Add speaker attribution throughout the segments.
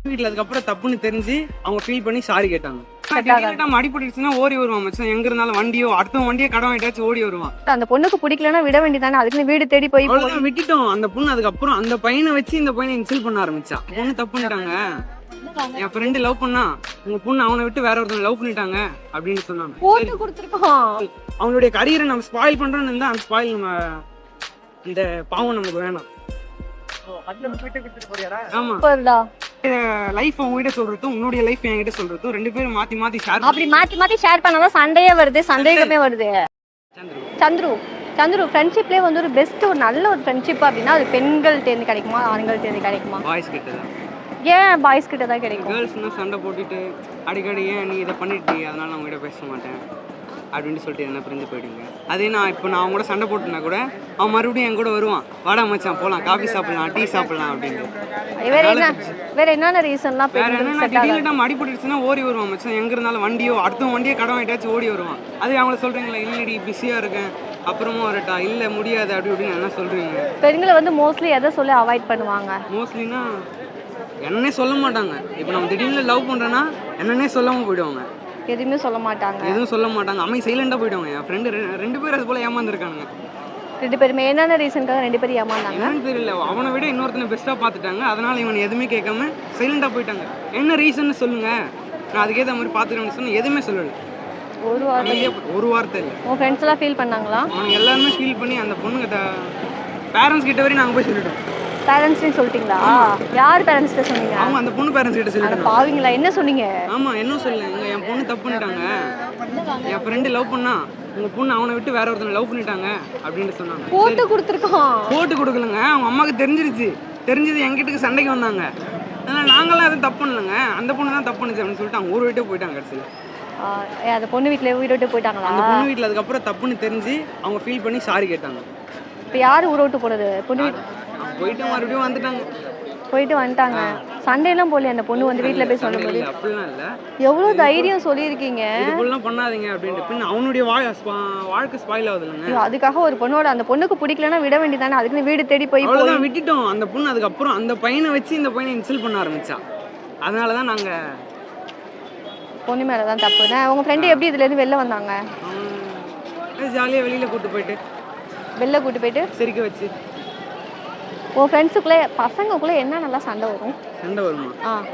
Speaker 1: வீட்டுல அதுக்கப்புறம் தப்புன்னு தெரிஞ்சு அவங்க ஃபீல் பண்ணி சாரி கேட்டாங்க. அடிபட்டுச்சுன்னா ஓடி வருவான் மச்சான், எங்க இருந்தாலும் வண்டியோ அடுத்த வண்டியோ கடன் வாங்கிட்டாச்சும் ஓடி வருவான்.
Speaker 2: அந்த பொண்ணுக்கு பிடிக்கலன்னா விட வேண்டியதானே, அதுக்கு வீடு தேடி போய்
Speaker 1: அவ்வளவுதான் விட்டுட்டோம். அந்த பொண்ணு அதுக்கப்புறம் அந்த பையனை வச்சு இந்த பையனை இன்சல்ட் பண்ண ஆரம்பிச்சா. பொண்ணு தப்பு பண்ணிட்டாங்க, என் ஃப்ரெண்டு லவ் பண்ணா, உங்க பொண்ணு அவனை விட்டு வேற ஒருத்தன் லவ் பண்ணிட்டாங்க அப்படின்னு சொன்னாங்க.
Speaker 2: போட்டு கொடுத்துருக்கோம்.
Speaker 1: அவங்களுடைய கரியரை நம்ம ஸ்பாயில் பண்றோம்னு இருந்தா அந்த ஸ்பாயில் நம்ம இந்த பாவம் நமக்கு வேணாம். ஆமா, லைஃப் உங்ககிட்ட சொல்றதும் உன்னுடைய லைஃப் என்கிட்ட சொல்றதும் ரெண்டு பேரும் மாத்தி மாத்தி ஷேர்
Speaker 2: அப்படி மாத்தி ஷேர் பண்ணாதான் சண்டையே வருது, சந்தேகமே வருது. சந்துரு ஃப்ரெண்ட்ஷிப்லேயே வந்து ஒரு பெஸ்ட் ஒரு நல்ல ஒரு ஃப்ரெண்ட்ஷிப் அப்படின்னா அது பெண்கள் தேர்ந்து கிடைக்குமா ஆண்கள் தேர்ந்து கிடைக்குமா?
Speaker 1: பாய்ஸ் கிட்ட தான்.
Speaker 2: ஏன் பாய்ஸ் கிட்ட தான் கிடைக்கும்?
Speaker 1: கேர்ள்ஸ்னா சண்டை போட்டுட்டு அடிக்கடி ஏன் நீ இதை பண்ணிட்டு அதனால நான் உங்ககிட்ட பேச மாட்டேன் அப்படின்னு சொல்லிட்டு என்ன பிரிஞ்சு போயிடுங்க. அதே நான் அவங்க கூட சண்டை போட்டுனா கூட அவன் மறுபடியும் என் கூட வருவான், வாடா மச்சான் போகலாம், காஃபி சாப்பிடலாம், டீ சாப்பிடலாம் அப்படின்னு.
Speaker 2: வேற என்னென்ன ரீசன்லாம்?
Speaker 1: வேற என்னன்னா திடீர்னு நம்ம அடிபட்டுச்சுன்னா ஓடி வருவான் மச்சான், எங்க இருந்தாலும் வண்டியோ அடுத்த வண்டியோ கடன் வாங்கிட்டாச்சும் ஓடி வருவான். அது அவங்கள சொல்றீங்களா, இல்லடி பிஸியா இருக்கேன் அப்புறமா வரட்டா, இல்ல முடியாது அப்படி இப்படின்னு என்ன சொல்றீங்க?
Speaker 2: பெண்களை வந்து மோஸ்ட்லி எதை சொல்லி அவாய்ட் பண்ணுவாங்க?
Speaker 1: மோஸ்ட்லினா என்னன்னே சொல்ல மாட்டாங்க. இப்போ நம்ம திடீர்னு லவ் பண்றேன்னா என்னன்னே சொல்லாம போயிடுவாங்க,
Speaker 2: எதுவுமே சொல்ல மாட்டாங்க,
Speaker 1: எதுவும் சொல்ல மாட்டாங்க, சைலண்டா போயிடுவாங்க. என் ஃப்ரெண்டு ரெண்டு பேரும் அது போல ஏமாந்துருக்காங்க.
Speaker 2: ரெண்டு பேருமே என்னென்ன ரீசனுக்காக ரெண்டு பேரும் ஏமாந்தாங்க
Speaker 1: என்னன்னு தெரியல. அவனை விட இன்னொருத்தனை பெஸ்ட்டாக பார்த்துட்டாங்க, அதனால இவன் எதுவுமே கேட்காம சைலண்டாக போயிட்டாங்க. என்ன ரீசன்னு சொல்லுங்க, நான் அதுக்கேற்ற மாதிரி பார்த்துக்கணும்னு சொன்ன, எதுவுமே சொல்லலை. ஒரு வார்த்தை இல்லை.
Speaker 2: உன் ஃப்ரெண்ட்ஸ் எல்லாம் ஃபீல் பண்ணாங்களா?
Speaker 1: அவனுக்கு எல்லாருமே ஃபீல் பண்ணி அந்த பொண்ணுங்க பேரண்ட்ஸ் கிட்ட வரையும் நாங்கள் போய் சொல்லிட்டோம்.
Speaker 2: பேரண்ட்ஸ்னு சொல்லிட்டீங்களா? யார் பேரண்ட்ஸ் கிட்ட சொன்னீங்க?
Speaker 1: அவங்க அந்த பொண்ணு பேரண்ட்ஸ் கிட்ட சொல்லிட்டாங்க.
Speaker 2: பாவீங்களா, என்ன சொன்னீங்க?
Speaker 1: ஆமா, என்ன சொல்லுங்க, என் பொண்ணு தப்பு பண்ணிட்டாங்க, என் ஃப்ரெண்டு லவ் பண்ணா, உங்க பொண்ணு அவனை விட்டு வேற ஒருத்தனை லவ் பண்ணிட்டாங்க அப்படின்னு சொன்னாங்க.
Speaker 2: போட்டு கொடுத்துருக்கோம்.
Speaker 1: போட்டு கொடுக்கலங்க, அவங்க அம்மாவுக்கு தெரிஞ்சிருச்சு. தெரிஞ்சது எங்கிட்ட சண்டைக்கு வந்தாங்க. அதனால நாங்களாம் எதுவும் தப்பு பண்ணலங்க, அந்த பொண்ணு தான் தப்பு பண்ணுச்சு அப்படின்னு சொல்லிட்டு அவங்க ஊர் விட்டே போயிட்டாங்க. கடைசியில்
Speaker 2: அந்த பொண்ணு வீட்டில் ஊரை விட்டு போயிட்டாங்களா?
Speaker 1: அந்த பொண்ணு வீட்டில் அதுக்கப்புறம் தப்புன்னு தெரிஞ்சு அவங்க ஃபீல் பண்ணி சாரி கேட்டாங்க.
Speaker 2: இப்போ யார் ஊரை விட்டு போனது? பொண்ணு
Speaker 1: போயிட்டு மறுபடியும் வந்துட்டாங்க.
Speaker 2: போயிட்டு வந்துட்டாங்க. சண்டையெல்லாம் போல அந்த பொண்ணு வந்து வீட்டில் போய் சொல்லும்போது
Speaker 1: அப்படிலாம் இல்லை,
Speaker 2: எவ்வளோ தைரியம் சொல்லியிருக்கீங்க,
Speaker 1: இதுக்குள்ளலாம் பண்ணாதீங்க அப்படின்ட்டு. பின்ன அவனுடைய வாழ்க்கை ஸ்பாயில் ஆகுது இல்லைங்க.
Speaker 2: அதுக்காக ஒரு பொண்ணோட அந்த பொண்ணுக்கு பிடிக்கலன்னா விட வேண்டியதானே, அதுக்கு வீடு தேடி போய்
Speaker 1: அவ்வளோதான் விட்டுட்டோம். அந்த பொண்ணு அதுக்கப்புறம் அந்த பையனை வச்சு இந்த பையனை இன்சல்ட் பண்ண ஆரம்பிச்சா. அதனால தான் நாங்கள்
Speaker 2: பொண்ணு மேலே தான் தப்பு. உங்கள் ஃப்ரெண்டு எப்படி இதுலேருந்து வெளில வந்தாங்க?
Speaker 1: ஜாலியாக வெளியில் கூப்பிட்டு போயிட்டு சிரிக்க வச்சு.
Speaker 2: உன் ஃப்ரெண்ட்ஸுக்குள்ளே பசங்களுக்குள்ளே என்ன நல்லா சண்டை வரும்?
Speaker 1: சண்டை வருமா?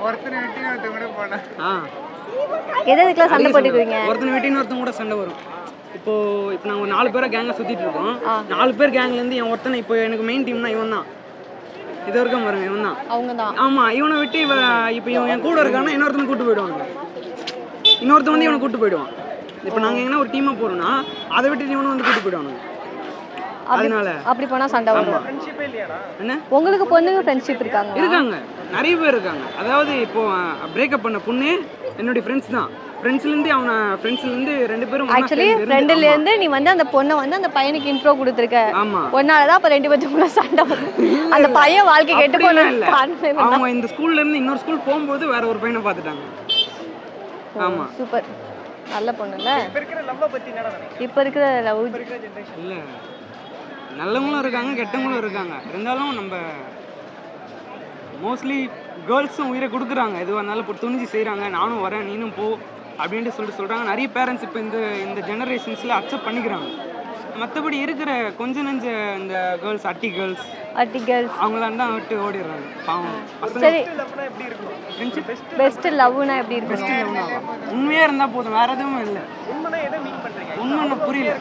Speaker 2: எதுக்கெல்லாம் சண்டை போட்டுக்குவீங்க?
Speaker 1: ஒருத்தனை விட்டு இன்னொருத்தன் கூட சண்டை வரும். இப்போ நாங்கள் ஒரு 4 பேரை கேங்கில் சுற்றிட்டு இருக்கோம். 4 பேர் கேங்லேருந்து என் ஒருத்தனை, இப்போ எனக்கு மெயின் டீம்னா இவன் தான், இது வரைக்கும் பாருங்க இவன் தான்,
Speaker 2: அவங்க தான்.
Speaker 1: ஆமாம், இவனை விட்டு இப்போ இவன் என் கூட இருக்கான்னா இன்னொருத்தனை கூப்பிட்டு போயிடுவாங்க, இன்னொருத்தன் வந்து இவனை கூப்பிட்டு போயிடுவான். இப்போ நாங்கள் எங்கன்னா ஒரு டீமாக போகிறோம்னா அதை விட்டு இவனை வந்து கூப்பிட்டு போயிடுவானுங்க. அதனால
Speaker 2: அப்படி போனா சண்டை வரும்.
Speaker 1: என்ன
Speaker 2: உங்களுக்கு பொண்ணுங்க ஃப்ரெண்ட்ஷிப் இருக்காங்க?
Speaker 1: நிறைய பேர் இருக்காங்க. அதாவது இப்போ பிரேக்கப் பண்ண பொண்ணு என்னுடைய ஃப்ரெண்ட்ஸ் தான். ஃப்ரெண்ட்ஸ்லேருந்து 2 பேரும்
Speaker 2: ஆக்சுவலி ஃப்ரெண்ட்லேருந்து நீ வந்து அந்த பொண்ணை வந்து அந்த பையனுக்கு இன்ட்ரோ கொடுத்துருக்க.
Speaker 1: ஆமா,
Speaker 2: பொண்ணாலதான் அப்போ 2 பேருக்குள்ள சண்டை வரும். அந்த பையன் வாழ்க்கை கெட்டு போன இல்லை,
Speaker 1: அவங்க இந்த ஸ்கூல்ல இருந்து இன்னொரு ஸ்கூல் போகும்போது வேற ஒரு பையனை பார்த்துட்டாங்க. ஆமா,
Speaker 2: சூப்பர், நல்ல பொண்ணுல்ல. இப்போ இருக்கிற லவ்
Speaker 1: இல்ல, நல்லவங்களும் இருக்காங்க கெட்டவங்களும் இருக்காங்க. இருந்தாலும் நம்ம மோஸ்ட்லி கேர்ள்ஸும் உயிரை கொடுக்குறாங்க, எதுவாக இருந்தாலும் இப்போ துணிஞ்சு செய்கிறாங்க. நானும் வரேன் நீனும் போ அப்படின்ட்டு சொல்கிறாங்க. நிறைய பேரண்ட்ஸ் இப்போ இந்த ஜெனரேஷன்ஸில் அக்செப்ட் பண்ணிக்கிறாங்க. மற்றபடி இருக்கிற கொஞ்ச நெஞ்ச இந்த அட்டி கேர்ள்ஸ் அவங்களாம் தான் விட்டு ஓடிடுறாங்க. பாவம்.
Speaker 2: சரி, பெஸ்ட் லவ்னா எப்படி இருக்கு?
Speaker 1: பெஸ்ட் லவ்னா உண்மையாக இருந்தால் போதும், வேறு எதுவும் இல்லை. உண்மை புரியல.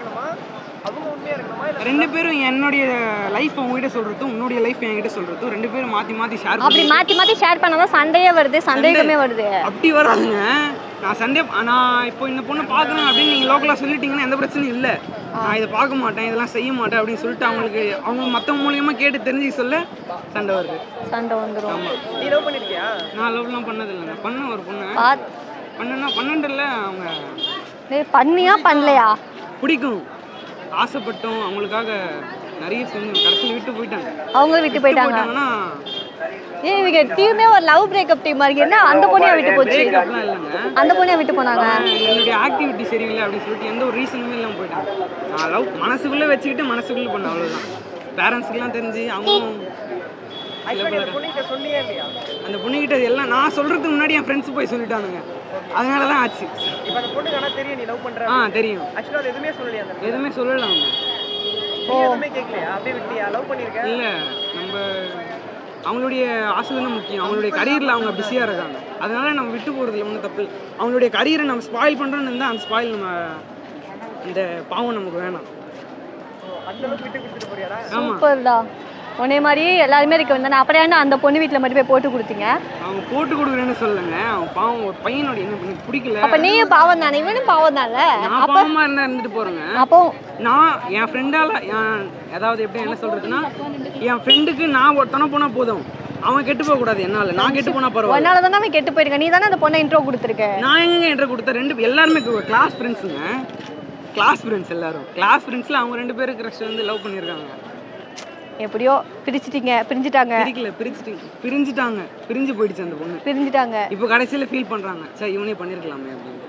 Speaker 1: 2 பேரும் என்னுடைய லைஃப் உங்ககிட்ட சொல்றதும் உன்னுடைய லைஃப் என்கிட்ட சொல்றதும் 2 பேரும் மாத்தி ஷேர்
Speaker 2: அப்படி மாத்தி ஷேர் பண்ணாதான் சண்டையே வருது, சந்தேகமே வருது.
Speaker 1: அப்படி வராதுங்க. நான் இப்போ இந்த பொண்ணு பார்க்கணும் அப்படின்னு நீங்க லோக்கலா சொல்லிட்டீங்கன்னா எந்த பிரச்சனையும் இல்லை. நான் இதை பார்க்க மாட்டேன், இதெல்லாம் செய்ய மாட்டேன் அப்படின்னு சொல்லிட்டு அவங்க மற்றவங்க மூலியமா கேட்டு தெரிஞ்சு சொல்ல சண்டை வருது, சண்டை வந்துடும். ஆமா, நீ லவ் பண்ணிருக்கியா? நான் லவ்லாம் பண்ணது இல்லைங்க. பண்ண ஒரு பொண்ணு பண்ணல. அவங்க
Speaker 2: பண்ணியா பண்ணலையா
Speaker 1: பிடிக்கும், ஆசைப்பட்டோம், அவங்களுக்காக நிறைய செஞ்சோம், கடைசியில் விட்டு போயிட்டாங்க.
Speaker 2: அவங்க விட்டு போயிட்டாங்கன்னா இவங்க டீமே ஒரு லவ் பிரேக்கப் டீம் மாதிரி. என்ன அந்த பொண்ணையா விட்டு போச்சு?
Speaker 1: பிரேக்கப்லாம் இல்லைங்க,
Speaker 2: அந்த பொண்ணையா விட்டு போனாங்க.
Speaker 1: என்னுடைய ஆக்டிவிட்டி சரியில்லை அப்படின்னு சொல்லிட்டு எந்த ஒரு ரீசனுமே இல்லாமல் போயிட்டாங்க. நான் லவ் மனசுக்குள்ளே வச்சுக்கிட்டு மனசுக்குள்ளே பண்ணேன், அவ்வளோதான். பேரண்ட்ஸுக்கெல்லாம் தெரிஞ்சு அவங்களும் அந்த பொண்ணுகிட்ட எல்லாம் நான் சொல்றதுக்கு முன்னாடி என் ஃப்ரெண்ட்ஸ் போய் சொல்லிட்டானுங்க, அதனால தான் ஆச்சு. தெரியும். எதுவுமே சொல்லல அவங்க. இல்லை, நம்ம அவங்களுடைய ஆசை தானே முக்கியம். அவங்களுடைய கரியரில் அவங்க பிஸியாக இருக்காங்க, அதனால நம்ம விட்டு போகிறதுல ஒன்றும் தப்பு இல்லை. அவங்களுடைய கரியரை நம்ம ஸ்பாயில் பண்ணுறோன்னு இருந்தால் அந்த ஸ்பாயில் நம்ம இந்த பாவம் நமக்கு வேணாம்.
Speaker 2: சூப்பர்டா. உன்னே மாதிரி எல்லாருமே இருக்க வந்தானே, அப்புறம் ஏன்னா அந்த பொண்ணு வீட்டில் மட்டும் போய் போட்டு கொடுத்தீங்க?
Speaker 1: அவங்க போட்டு கொடுக்குறேன்னு சொல்லுங்க, அவன் பாவம் ஒரு பையனோட என்ன பண்ணி பிடிக்கல.
Speaker 2: அப்போ நீயும் பாவம் தானே, இவனும் பாவம் தானே.
Speaker 1: நான் பாவமாக இருந்தால் இருந்துட்டு போகிறேங்க.
Speaker 2: அப்போ
Speaker 1: நான் என் ஃப்ரெண்டால் அதாவது எப்படி என்ன சொல்கிறதுன்னா, என் ஃப்ரெண்டுக்கு நான் ஒருத்தனை போனால் போதும், அவன் கெட்டு போகக்கூடாது. என்னால் நான் கெட்டு போனால் பரவாயில்ல.
Speaker 2: அதனால தானே அவன் கெட்டு போயிருக்க. நீ தானே அந்த பொண்ணை இன்ட்ரோ கொடுத்துருக்க.
Speaker 1: நான் எங்க இன்ட்ரோ கொடுத்தேன்? எல்லாருமே கிளாஸ் ஃப்ரெண்ட்ஸுங்க, கிளாஸ் ஃப்ரெண்ட்ஸ் எல்லாரும். கிளாஸ் ஃப்ரெண்ட்ஸில் அவங்க 2 பேரும் க்ரஷ் வந்து லவ் பண்ணியிருக்காங்க.
Speaker 2: எப்படியோ பிரிஞ்சுட்டாங்க.
Speaker 1: பிரிஞ்சுட்டாங்க, பிரிஞ்சு போயிடுச்சு அந்த பொண்ணு, பிரிஞ்சுட்டாங்க. இப்போ கடைசியில் ஃபீல் பண்ணுறாங்க, சரி இவனே பண்ணியிருக்கலாமே அப்படின்னு.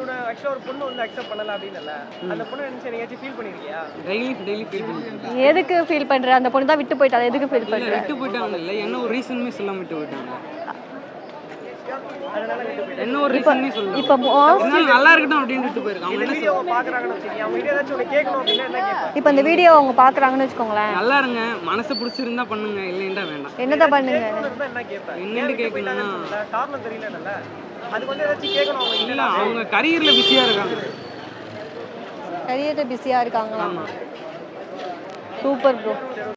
Speaker 1: டெய்லி ஃபீல் பண்ணிருக்கேன்.
Speaker 2: எதுக்கு ஃபீல் பண்ற? அந்த பொண்ணு தான் விட்டு போயிட்டாங்க. எதுக்கு ஃபீல் பண்ற?
Speaker 1: விட்டு போயிட்டாங்க இல்லை, என்ன ஒரு ரீசனுமே சொல்லாம விட்டு போயிட்டாங்க. என்ன ஒரு ரீசனுமே சொல்லல. இப்போ நல்லா இருக்கட்டும் அப்படின்னு விட்டு போயிருக்காங்க.
Speaker 2: இப்போ இந்த வீடியோ அவங்க பாக்குறாங்கன்னு வச்சுக்கோங்களேன்,
Speaker 1: நல்லா இருங்க, மனசு பிடிச்சிருந்தா பண்ணுங்க, இல்லைன்னா வேண்டாம்.
Speaker 2: என்னதான் பண்ணுங்க?
Speaker 1: என்னன்னு கேட்கணும்னா இல்லை, அவங்க கரியர்ல பிஸியா இருக்காங்க.
Speaker 2: கரியர்ல பிஸியா இருக்காங்களா? Super bro.